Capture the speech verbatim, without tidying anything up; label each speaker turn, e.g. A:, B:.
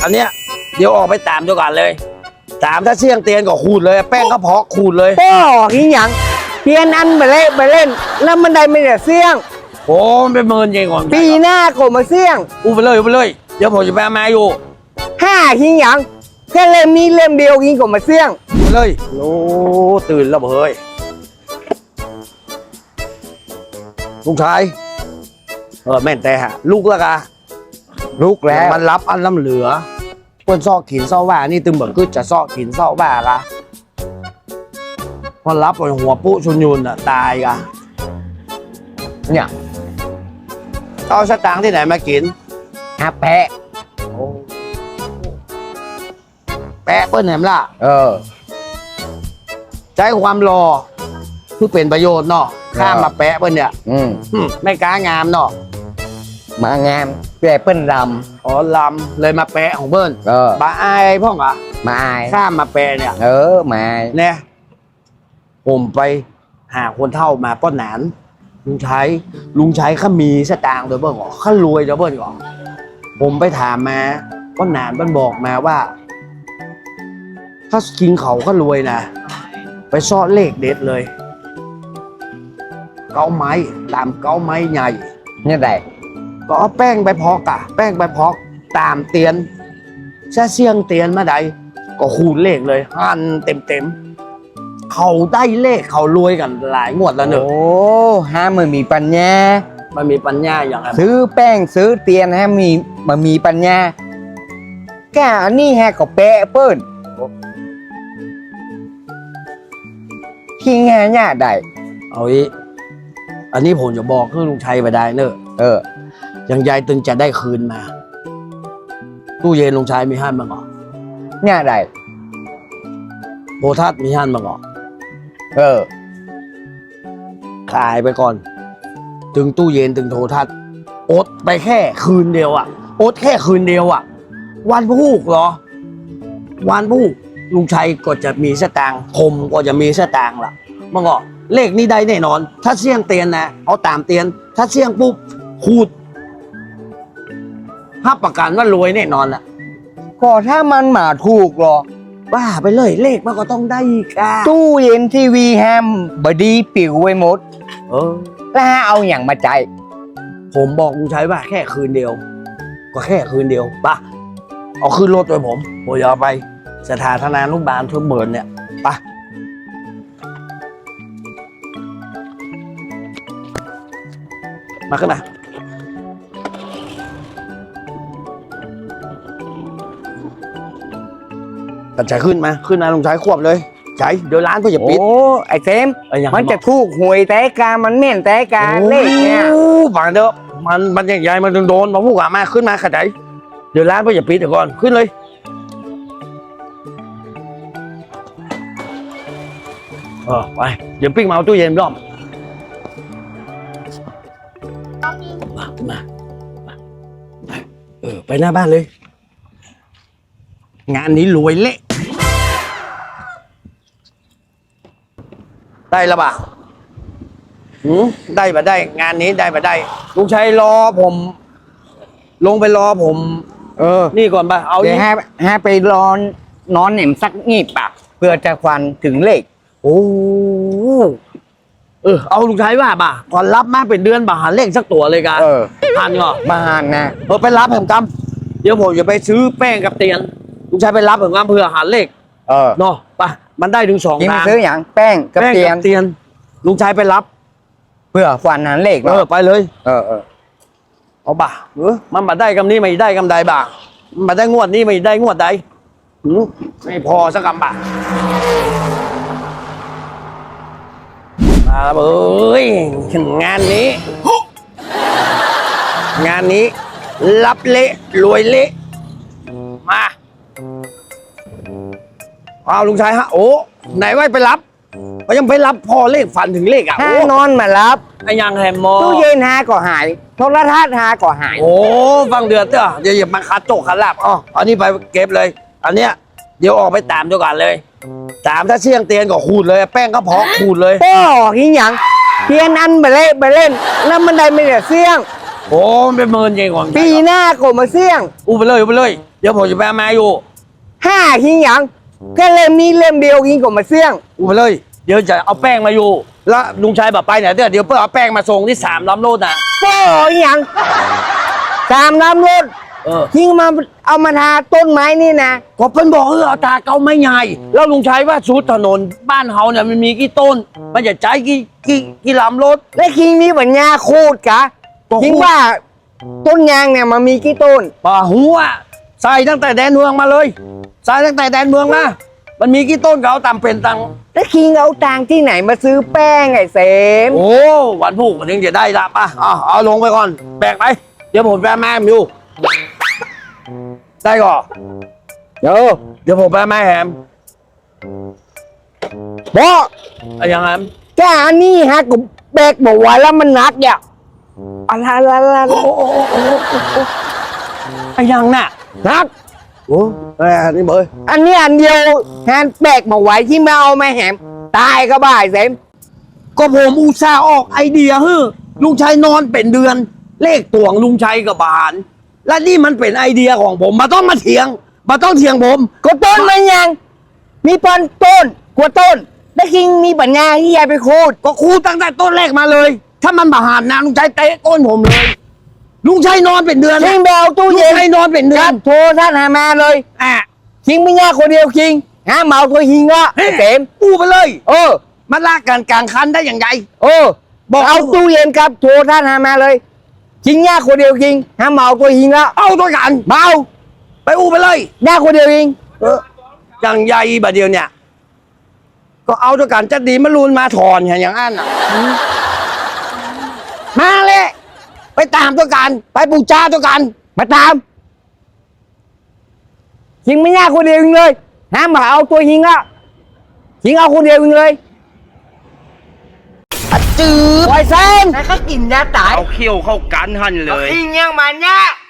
A: อันเนี้ยเดี๋ยวออกไปตามเดียวกันเลยตามถ้าเสี่ยงเตียนก็ขูดเลยแป้งก็เพาะขูดเลย
B: โอ้ยหยังเพียนอันไปเล่นไปเล่นแล้วมันได้ไม่ได้เสี่ยง
A: โอ้มันเป็นหมื่นเองก่อน
B: ปีหน้าก็มาเสี่ยง
A: อู้ไปเลยอู้ไปเลยเดี๋ยวผมจะไปเอามาอยู่
B: ห้าหิงหยังแค่เล่มนี้เล่มเดียวหิงก็มาเสี่ยง
A: ไปเลยโอ้ตื่นแล้วเฮ้ยลุงชายเออแม่นแต่ฮะลูกละกะ
B: ลุกแล้ว
A: มันรับอันล้ำเหลือเปิ้นซอกขินซอกว่านี่ตึงเบิกกึดจะซอกขินซอกว่ากะพอรับไปหัวปุ๊ชุนยุนอ่ะตายกะเนี่ยเอาสตางค์ที่ไหนมากิน
B: ฮะแปะ
A: แปะเปิ้นแหนมล่ะ
B: เออ
A: ใช้ความรอเพื่อเป็นประโยชน์เนาะข้ามมาแปะเปิ้นเนี่ย
B: อืม
A: หึไม่กล้างามเนาะ
B: มางามแปะเปิ้นด
A: อ๋อลำเลยมาแปะของเปิ้น
B: ำเออบ
A: าอายพ่องเหรอ
B: มาอาย
A: ข้ามมาแปะเนี่ย
B: เออมาอาย
A: เนี่ยผมไปหาคนเท่ามาป้อนหนานลุงชัยลุงชัยเขามีสตางค์เดี๋ยวเบิ้งก่อนเขารวยเดี๋ยวเบิ้งก่อนผมไปถามมาป้อนหนานมันบอกมาว่า ถ้ากินเขาก็รวยนะไปซ่อนเลขเด็ดเลย เก้าไม้ตามเก้าไม้ใหญ่
B: เนี่ยได้
A: ก็เอาแป้งไปพอกอะแป้งไปพอกตามเตียนแช่เสียงเตียนมาใดก็คูณเลขเลยหันเต็มเต็มๆเขาได้เลขเขารวยกันหลายงวดแล้วเนอะ
B: โอ้ฮะมันมีปัญญา
A: มันมีปัญญาอย่างไร
B: ซื้อแป้งซื้อเตียนฮะมีมันมีปัญญาแกอันนี้ฮะก็แปะเปิ้นที่งานเนี่ยได้
A: เอาอีอันนี้ผมจะบอกคือลุงชัยไปได้เนอะ
B: เออ
A: ยังยายตึงจะได้คืนมา ตู้เย็นลุงชัยมีห้านบ้างเหรอ
B: เนี่ยได้
A: โพทัศน์มีห้านบ้างเหรอ
B: เออ
A: ขายไปก่อน ถึงตู้เย็นถึงโทรทัศน์อดไปแค่คืนเดียวอะอดแค่คืนเดียวอะวันพูกเหรอ วันพูกลุงชัยก็จะมีสตางค์ผมก็จะมีสตางค์ล่ะมันก็เลขนี้ได้แน่นอน ถ้าเสี่ยงเตียนนะเอาตามเตียน ถ้าเสี่ยงปุ๊บขูดภาพประกันว่ารวยแน่นอนล่ะ
B: ก็ถ้ามันมาถูกหรอ
A: บ้าไปเลยเลขมันก็ต้องได้ค่ะ
B: ตู้เย็นทีวีแฮมบดีปิวไว้หมด
A: เออ
B: แล้วเอาอย่างมาใจาย
A: ผมบอกลุงชัยว่าแค่คืนเดียว ก็แค่คืนเดียวป่ะเอาขึ้นรถไปผมผมจะเอาไปสถานธนานุบาลทุกเบิร์นเนี่ยไปมาขึ้นมาตัดใจขึ้นมาขึ้นมาลุงชัยควบเลยใจเดี๋ยวร้านเพื่อจะ
B: โอ้
A: ปิด
B: ไอ้เต็ม
A: เอ้ยยัง
B: มันจะถูกหวยแต่กามันเม่นแต่กาเลขเนี่ย
A: โอ้ฝังเด้อมันมันใหญ่ๆมันโดนมาพูดกับมาขึ้นมาขดายเดี๋ยวร้านเพื่อจะปิดเดี๋ยวก่อนขึ้นเลยเออไปเดี๋ยวปิ้งมาเอาตู้เย็นรอบมาขึ้นมามาไปเออไปหน้าบ้านเลย งานนี้รวยเละได้ละบ่ะหืมได้บ่ได้ งานนี้ได้บ่ได้ลุงชัยรอผม ลงไปรอผม
B: เออ
A: นี่ก่อนป่ะเอา
B: เดี๋ยว
A: อีก
B: ให้ให้ไปรอนนอนเหน็มสักงีบปะเพื่อจะควันถึงเลข
A: โอ้เออเอาลุงชัยว่าบ่ะก่อนรับมาเป็นเดือนบ่ะหาเลขสักตัวเลยกัน
B: เออ
A: ทันเหรอ
B: บ้านนะ
A: เออไปรับผมกำเดี๋ยวผมจะไปซื้อแป้งกับเตียนลุงชัยไปรับผมกำเพื่อหาเลข
B: เออ
A: เนาะป่ะมันได้ถึงสอง
B: กิน
A: ทาง
B: ซื้ออย่างแป้งกับ
A: แป้ง
B: เตียน
A: กับเตียนลุงชัยไปรับ
B: เพื่อควันหันเลข
A: เออไปเลย
B: เออเออ
A: เอาบ่าเออมันมาได้กำนี้ไม่ได้กำใดบ่ามันมาได้งวดนี้ไม่ได้งวดใดหือไม่พอสักกำบ่ามาแล้วเอ้ยงานนี้ งานนี้ รับเละรวยเละมาเอาลุงชายฮะโอ้ไหนว่าไปรับก็ยังไปรับพอเลขฝันถึงเลขอ่ะ
B: ถ้า
A: โอ้
B: นอนมารับ
A: ไอ้ยังแฮมมอ
B: ตู้เย็นหาก็หายโทรทัศน์หาก็หาย
A: โอ้ฟังเดือดเด้อเดี๋ยวอย่ามาคัดโจกคัดลาบอ๋ออันนี้ไปเก็บเลย อันเนี้ยเดี๋ยวออกไปตามเดียวกันเลย ตามถ้าเสี่ยงเตียนก็ขูดเลย แป้งก็พอกขูดเลย
B: โอ้หิงหยังเพียนอันไปเล่นไปเล่นแล้วมันได้ไม่ได้เสี่ยง
A: โอ้มันเป็นหมื่นเองก่อน
B: ปีหน้าก็มาเสี่ยง
A: อู้ไปเลยอู้ไปเลยเดี๋ยวผมจะไปเอามาอยู่
B: ห้าหิงหยังแค่เล่มนี้เล่มเดียวหิงก็มาเสี่ยง
A: อูไปเลย เดี๋ยวจะเอาแป้งมาอยู่ แล้วลุงชัยแบบไปเนี่ยเดี๋ยวเดี๋ยวเพื่อเอาแป้งมาส่งที่สามล้อมโลดนะ
B: โป้หิงหยังสามน้ำรถ
A: เออ
B: หิงมาเอามาทาต้นไม้นี่นะ
A: ก็เพิ่นบอกเออเอาตาเกาไม่ใหญ่แล้วลุงชัยว่าชุดถนนบ้านเฮาเนี่ยมันมีกี่ต้น มันจะใจกี่กี่กี่ลำรถ
B: และหิงมีปัญญาคูดกะ
A: ก็คูด
B: หิงว่าต้นยางเนี่ยมันมีกี่ต้น
A: ป่าหัวใส่ตั้งแต่แดนเมืองมาเลยใส่ตั้งแต่แดนเมืองมามันมีกี่ต้นก็เอาตามเป็นตัง
B: แล้วคิงเอาตังค์ที่ไหนมาซื้อแป้งไอ้เสม
A: โอ้วันพูกวันนี้จะได้ละป่ะเอาเอาลงไปก่อนแบกไปเดี๋ยวผมไปแม่มอยู่ได้ก่อน
B: เดี๋ยว
A: เดี๋ยวผมไปแม่แฮม
B: บอก
A: อะไรยังไง
B: แกอันนี้ฮะกูแบกบอกว่าแล้วมันหนักเนี่ยอะไรอะไรอะไร
A: โอ้โอ้โอ้โอ้โอ้โอ้ไอ้ยังน่ะ
B: หนัก
A: โอ้แม่นี่เบย
B: อันนี้อันเดียวแฮนแบกมาไว้ที่ไม่เอามาแหมตายก็บ่ายเสม
A: ก็ผมอุตส่าห์ออกไอเดียเฮ้อลุงชัยนอนเป็นเดือน เลขตวงลุงชัยกับบาน และนี่มันเป็นไอเดียของผมมาต้องมาเถียงมาต้องเถียงผม
B: ก็ต้นมันยัง มีปอนต้นกว่าต้นแล้วคิงมีปัญญาที่ยายไปคูด
A: ก็ครูตั้งแต่ต้นแรกมาเลย ถ้ามันบาหานนะลุงชัยเตะก้นผมเลย ลุงชัยนอนเป็นเดือน
B: คิงไปเอาตู้
A: ลุง
B: เย็น
A: ชัยนอนเป็นเดื
B: ค
A: อ
B: รั
A: น
B: บโทรท่านหามาเลย
A: อ่ะ
B: คิงไม่ยากคนเดียวคิงหาเหมาตัวคิงละ
A: เฮ้ย
B: เสม
A: อู้ไปเลย
B: เออ
A: มันลากกันกลางคันได้อย่างไร
B: เออ
A: บอก
B: เอาตู้เย็นครับโทรท่านหามาเลยคิงยากคนเดียวคิงหาเหมาตัวคิงละ
A: เอาตัวกัน
B: เมา
A: ไปอู้ไปเลย
B: ยากคนเดียวคิง
A: เอออย่างใหญ่บาเดียวเนี่ย ก็เอาตัวกันจะดีมารูนมาถอนอย่างอย่างอันอ่ะมาเลยไปตามตัวกัน ไปปูชาตัวกัน
B: มาตามคิงไม่ยากคนเดียวคิงเลยหาเหมาเอาตัวคิงละคิงเอาคนเดียวคิงเลย
A: จืด
B: ปล่อยเซมแล้วก็กินยาตาย
A: เอาเขี้ยวเข้ากันหันเลย
B: คิงยังมันยาก